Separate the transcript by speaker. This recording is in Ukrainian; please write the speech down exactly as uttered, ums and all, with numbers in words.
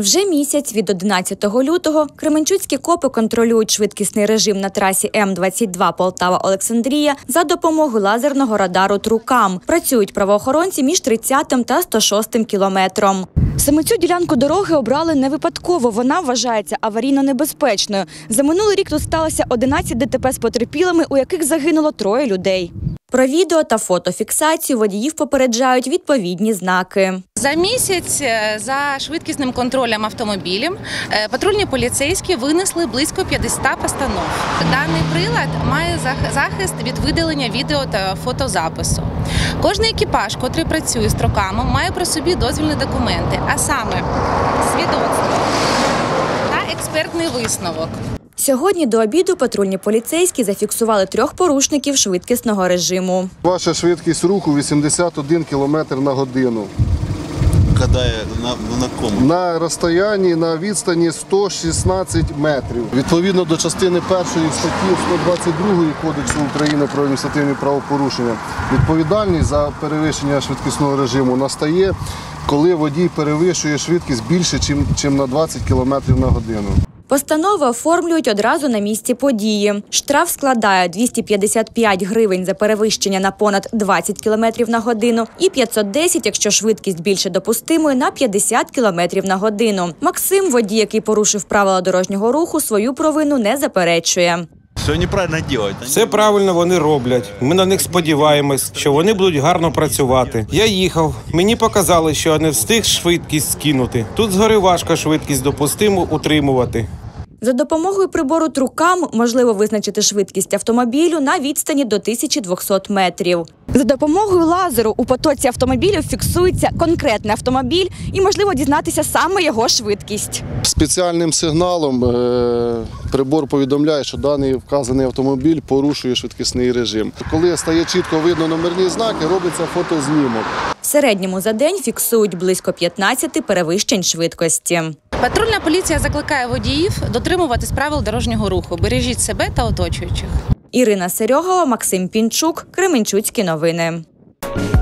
Speaker 1: Вже місяць від одинадцятого лютого кременчуцькі копи контролюють швидкісний режим на трасі М двадцять два Полтава-Олександрія за допомогою лазерного радару «Трукам». Працюють правоохоронці між тридцятим та сто шостим кілометром. Саме цю ділянку дороги обрали не випадково. Вона вважається аварійно небезпечною. За минулий рік тут сталося одинадцять ДТП з потерпілими, у яких загинуло троє людей. Про відео та фотофіксацію водіїв попереджають відповідні знаки.
Speaker 2: За місяць за швидкісним контролем автомобілів патрульні поліцейські винесли близько п'ятдесят постанов. Даний прилад має захист від видалення відео та фотозапису. Кожний екіпаж, котрий працює з труками, має при собі дозвільні документи, а саме свідоцтво та експертний висновок.
Speaker 1: Сьогодні до обіду патрульні поліцейські зафіксували трьох порушників швидкісного режиму.
Speaker 3: Ваша швидкість руху вісімдесят один кілометр на годину.
Speaker 4: Кадає на, на кому?
Speaker 3: На розстоянні, на відстані сто шістнадцять метрів. Відповідно до частини першої статті сто двадцять другої Кодексу України про адміністративні правопорушення, відповідальність за перевищення швидкісного режиму настає, коли водій перевищує швидкість більше, ніж на двадцять кілометрів на годину.
Speaker 1: Постанови оформлюють одразу на місці події. Штраф складає двісті п'ятдесят п'ять гривень за перевищення на понад двадцять кілометрів на годину і п'ятсот десять, якщо швидкість більше допустимої, на п'ятдесят кілометрів на годину. Максим, водій, який порушив правила дорожнього руху, свою провину не заперечує.
Speaker 4: Все неправильно роблять.
Speaker 5: Все правильно вони роблять. Ми на них сподіваємось, що вони будуть гарно працювати. Я їхав, мені показали, що я не встиг швидкість скинути. Тут згори важко швидкість допустиму утримувати.
Speaker 1: За допомогою прибору «Трукам» можливо визначити швидкість автомобілю на відстані до тисячі двохсот метрів. За допомогою лазеру у потоці автомобілів фіксується конкретний автомобіль і можливо дізнатися саме його швидкість.
Speaker 3: Спеціальним сигналом е прибор повідомляє, що даний вказаний автомобіль порушує швидкісний режим. Коли стає чітко видно номерні знаки, робиться фотознімок.
Speaker 1: В середньому за день фіксують близько п'ятнадцяти перевищень швидкості.
Speaker 2: Патрульна поліція закликає водіїв дотримуватись правил дорожнього руху. Бережіть себе та оточуючих.
Speaker 1: Ірина Серьогова, Максим Пінчук, Кременчуцькі новини.